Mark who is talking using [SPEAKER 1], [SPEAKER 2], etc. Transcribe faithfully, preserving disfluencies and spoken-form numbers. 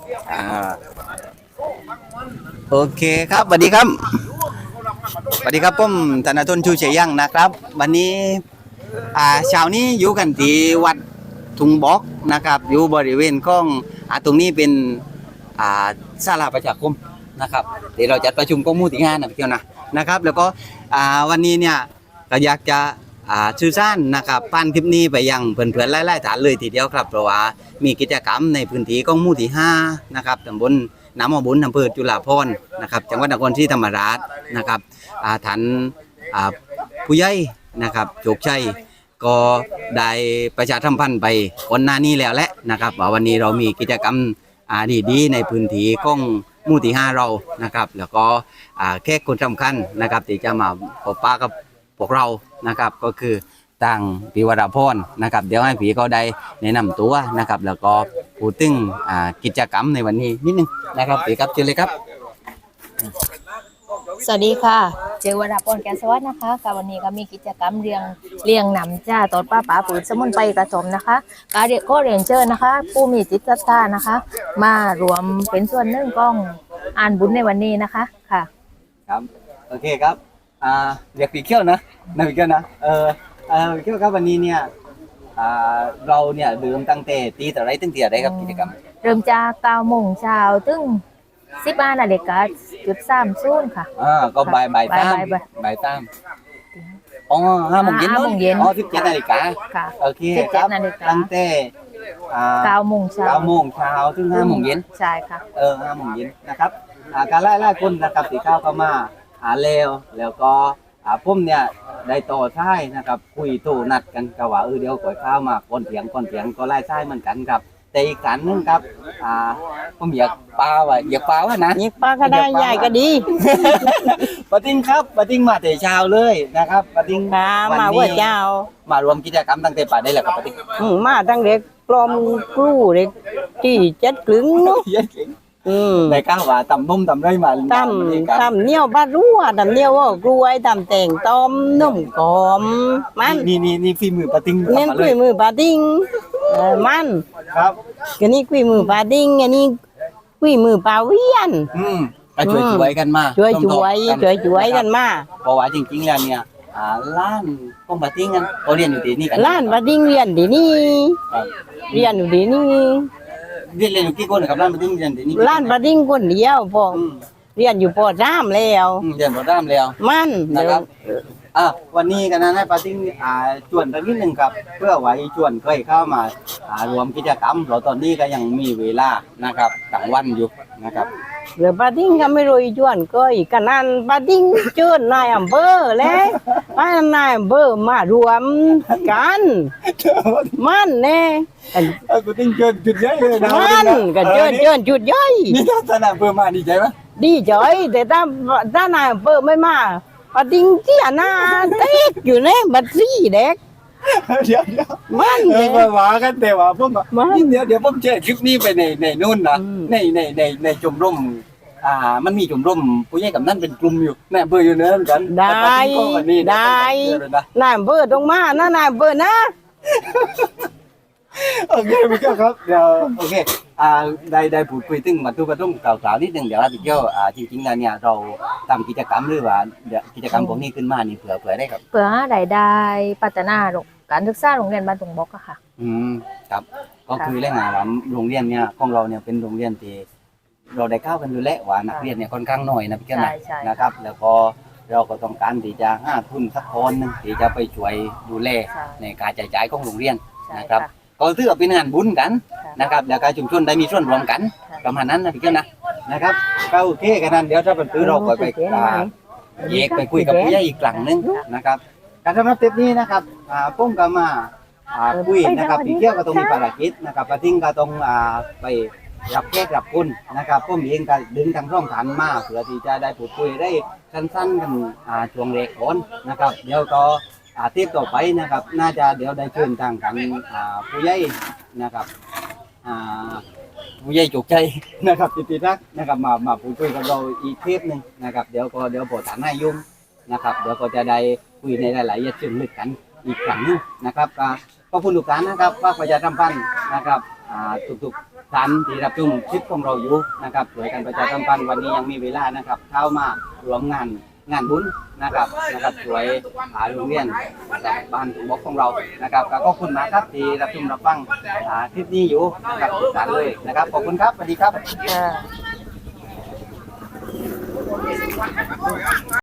[SPEAKER 1] อ่าโอเคครับสวัสดีครับสวัสดีครับผมธนทรชูเฉยยังนะครับวันนี้อ่าเช้านี้อยู่กันที่วัดทุงบอกนะครับอยู่บริเวณของอ่าตรงนี้เป็นอ่าศาลาประชาคมนะครับเดี๋ยวเราจัดประชุมกองหมู่ที่ห้านะพี่เที่ยวนะนะครับแล้วก็อ่าวันนี้เนี่ยก็อยากจะอ่าชื่อสั้นนะครับปั้นคลิปนี้ไปยังเพื่อนๆไล่ๆฐานเลยทีเดียวครับเพราะว่ามีกิจกรรมในพื้นที่กองหมู่ที่ห้านะครับตำบลน้ำมอบุญอำเภอจุฬาภรณ์นะครับจังหวัดนครศรีธรรมราชนะครับอ่าฐานอ่าผู้ใหญ่นะครับโชคชัยก็ได้ประชาสัมพันธ์ไปก่อนหน้านี้แล้วแหละนะครับว่าวันนี้เรามีกิจกรรมอ่าดีๆในพื้นที่ของหมู่ที่ห้าเรานะครับแล้วก็อ่าแขกคนสำคัญนะครับที่จะมาพบปะกับพวกเรานะครับก็คือต่างปีวราพรนะครับเดี๋ยวให้ผีก็ได้แนะนำตัวนะครับแล้วก็พูดถึงอ่ากิจกรรมในวันนี้นิดนึงนะครับผีครับเชิญเลยครับ
[SPEAKER 2] สวัสดีค่ะเจอวราพรแกนสวัสดิ์นะคะกับวันนี้ก็มีกิจกรรมเรียงเรียงหนำจ้าตอนป้าป๋าปุ๋ยสมุนไพรกระสมนะคะการเรียกก็เรียนเชิญนะคะ ผู้มีจิตศรัทธานะคะ มารวมเป็นส่วนหนึ่งกล้องอ่านบุญในวันนี้นะคะค่ะ
[SPEAKER 1] ครับโอเคครับอ่าเรียกผีเขี้ยวนะนะผีเขี้ยวนะเออเออผีเขี้ยวครับวันนี้เนี่ยอ่าเราเนี่ยเริ่มตั้งแต่ตีแต่ไรตั้งแต่ไรครับกิจกรรม
[SPEAKER 2] เริ่มจากเก้าโมงเช้าถึงสิบห้านาฬิกาจุดสามศูนย์ค่ะ
[SPEAKER 1] อ่าก็บ่ายบ่ายตาม
[SPEAKER 2] บ่ายบ่าย
[SPEAKER 1] บ่ายตามอ๋อห้าโมงเย็น
[SPEAKER 2] ห้าโมงเย็น
[SPEAKER 1] อ๋อสิบเจ็ดนาฬิกา
[SPEAKER 2] ค่ะ
[SPEAKER 1] โอเค
[SPEAKER 2] สิบ
[SPEAKER 1] ค
[SPEAKER 2] เจ็
[SPEAKER 1] รั
[SPEAKER 2] ด
[SPEAKER 1] บ
[SPEAKER 2] นาฬิกา
[SPEAKER 1] ตั้งแต่อ่า
[SPEAKER 2] เก้าโมงเช้า
[SPEAKER 1] เก้าโมงเช้าถึงห้าโมงเย็น
[SPEAKER 2] ใช่ค่ะ
[SPEAKER 1] เออห้าโมงเย็นนะครับอ่าการไล่ไล่คนนะครับตีข้าวเข้ามาหาเลวแล้วก็อ่าผมเนี่ยได้ต่อท้ายนะครับคุยโตนัดกันก็ว่าเออเดี๋ยวก่อยข้าวมาก่อนเถียงก่อนเถียงก็ไล่ท้ายเหมือนกันครับแต่อีกการนึงครับอ่าผมอยากปลาว่าอยากปลาว่านะ
[SPEAKER 3] ยิงปลาก็ได้ใหญ่ก็ดี
[SPEAKER 1] ปะติ้งครับปะติ้งมาแต่เช้าเลยนะครับปะติ้ง
[SPEAKER 3] ค่ะ
[SPEAKER 1] วัน
[SPEAKER 3] มา
[SPEAKER 1] นี้
[SPEAKER 3] ว่าเจ้าม
[SPEAKER 1] ารวมกิจกรรมตั้งแต่ป่าได้แหละครับปะติ้ง
[SPEAKER 3] อืมมาตั้งเด็กปลอมกลูเด็กที่เจ็ดกลึงเนาะ
[SPEAKER 1] เยอะเก่ง
[SPEAKER 3] อืม
[SPEAKER 1] ในข้าวว่าตำนุ่มตำไรมา
[SPEAKER 3] ตำตำเหนียวบารั่วตำเหนียวว่ากล้วยตำแต่งต้มนุ่มกอมมัน
[SPEAKER 1] นี่นี่นี่ฝีมือปะติ้ง
[SPEAKER 3] เน้น
[SPEAKER 1] ทำมาเล
[SPEAKER 3] คุ
[SPEAKER 1] ย
[SPEAKER 3] ยมือปลาดิ้งเออมัน
[SPEAKER 1] ครับ
[SPEAKER 3] ก็นี่คุยมือปลาดิ้งอันนี้คุยมือปลาเวียน
[SPEAKER 1] อืมก็ช่วยช่วยกันมา
[SPEAKER 3] ช่วยช่วย
[SPEAKER 1] ร่มๆ
[SPEAKER 3] ช่วยช่วยกันมา
[SPEAKER 1] เพราะว่าจริงๆแล้วเนี่ยอ่าล้านพวกปะติ้งกันเขาเรียนอยู่ที่นี่กัน
[SPEAKER 3] ล้านปลาดิ้งเรียนดีนี่
[SPEAKER 1] ครับ
[SPEAKER 3] เรียนอยู่ดีนี่
[SPEAKER 1] เรียนเรียนอยู่กี่คนนะครับล้านปะติ้งเรียนที่นี่
[SPEAKER 3] ล้านปลาดิ้งคนเดียวพอ
[SPEAKER 1] อืม
[SPEAKER 3] เรียนอยู่ปอสามแล้ว
[SPEAKER 1] อืมเรียนพอด้ามแล้ว
[SPEAKER 3] มัน
[SPEAKER 1] นะครับอ่ะวันนี้กันนะให้ปาติ้งอ่าชวนกันนิดนึงครับ เพื่อไว้ชวนเคยเข้ามาอ่ารวมกิจกรรมเราตอนนี้ก็ยังมีเวลานะครับกลางวันอยู่นะครับ
[SPEAKER 3] เหลือปาดิ้งก็ไม่รู้อีจวนก็อีกกันนั่นปาดิ้งเชิญนายอำเภอแล้วให้นายอำเภอมารวมกันมันแน่
[SPEAKER 1] เออปาติ้งเชิญจุดใหญ่เลยนะ
[SPEAKER 3] มันก็เชิญเชิญจุดย่อย
[SPEAKER 1] นี่ถ้าสนามเพิ่มมาดีใจไหม
[SPEAKER 3] ดีใจแต่ถ้าถ้านายอำเภอไม่มาปาดิ้งเที่ยหน้าเต็กอยู่ในบัตรซี่เด็ก
[SPEAKER 1] เดี๋ยวเดี๋ยว
[SPEAKER 3] มัน
[SPEAKER 1] เอ
[SPEAKER 3] แน่
[SPEAKER 1] อมาว่ากันแต่ว่าผมบอก
[SPEAKER 3] มัน
[SPEAKER 1] นี่เดี๋ยวเดี๋ยวผมแชร์คลิปนี้ไปในในนู่นนะ
[SPEAKER 3] อืม
[SPEAKER 1] ในในในในชมรมอ่ามันมีชมรมผู้ใหญ่กับนั่นเป็นกลุ่มอยู่ในอำเภออยู่เนื้อเหมือนกัน
[SPEAKER 3] ได้
[SPEAKER 1] แต่ปาติ้งก็วันนี้นะ
[SPEAKER 3] ได้
[SPEAKER 1] เชิญเลยนะ
[SPEAKER 3] นายอำเภอต้องมานะนายอำเภอนะ
[SPEAKER 1] โอเคพี่เจ้าครับเดี๋ยวโอเคอ่าได้ได้พูดคุยถึงมาทุกประตุ้งกล่าวๆนิดหนึงเดี๋ยวพี่เจ้าอ่าจริงๆแล้วเนี่ยเราทำกิจกรรมหรือว่าเดี๋ยวกิจกรรมพวกนี้ขึ้นมานี่เผื่อเผื่อได้ครับ
[SPEAKER 2] เพื่อหารายได้พัฒนาโรงการศึกษาโรงเรียนบ้านตุงบอกอะค่ะ
[SPEAKER 1] อืมครับก็คือเรื่องงานว่าโรงเรียนเนี่ยของเราเนี่ยเป็นโรงเรียนที่เราได้เข้ากันอยู่แล้วว่านักเรียนเนี่ยค่อนข้างน้อยนะพี่เจ้านะ
[SPEAKER 2] ใช่ใช่
[SPEAKER 1] นะครับ แล้วก็เราก็ต้องการที่จะหาทุนสักคนหนึงที่จะไปช่วยดูแล
[SPEAKER 2] ใช่
[SPEAKER 1] ในการจ่ายจ่ายของโรงเรียน
[SPEAKER 2] ใช่
[SPEAKER 1] นะครับ
[SPEAKER 2] ค่ะ
[SPEAKER 1] ก็ถือว่าเป็นงานบุญกัน
[SPEAKER 2] ค่ะ
[SPEAKER 1] นะครับแล้วก็ชุมชนได้มีส่วนรวมกัน
[SPEAKER 2] ค่ะ
[SPEAKER 1] ประมาณนั้นนะพี่เจ้านะนะครับก็โอเคกันนั้นเดี๋ยวถ้าเป็นตื้อเราก็ไปอ่าแยกไปคุยกับผู้ใหญ่อีกครั้งหนึงนะครับการสำหรับเทปนี้นะครับอ่าผมก็มาอ่าคุยนะครับพี่เที่ยวก็ต้องมีภารกิจนะครับกระทิงก็ต้องอ่าไปรับแขกรับคุณนะครับผมเองก็ดึงทางช่องฐานมาเพื่อที่จะได้พูดคุยได้สั้นๆกันอ่าช่วงแรกก่อนนะครับเดี๋ยวก็อาทิตย์ต่อไปนะครับ น่าจะเดี๋ยวได้เชิญทางกันอ่าผู้ใหญ่นะครับอ่าผู้ใหญ่จุกใจนะครับติดติดนักนะครับมามาพูดคุยกับเราอีกเทปหนึ่งนะครับเดี๋ยวก็เดี๋ยวโปรดฐานให้ยุ่งนะครับเดี๋ยวก็จะได้คุยในหลายๆเชิงลึกกันอีกครั้งหนึงนะครับก็ขอบคุณทุกท่านนะครับฝากประชาสัมพันธ์นะครับอ่าทุกๆท่านที่รับชมคลิปของเราอยู่นะครับช่วยกันประชาสัมพันธ์วันนี้ยังมีเวลานะครับเข้ามารวมงานงานบุญนะครับนะครับช่วยหาโรงเรียนกับบ้านถุงบกของเรานะครับก็ขอบคุณมากครับที่รับชมรับฟังอ่าคลิปนี้อยู่นะครับทุกท่านเลยนะครับขอบคุณครับสวัสดีครับ
[SPEAKER 2] ค่ะ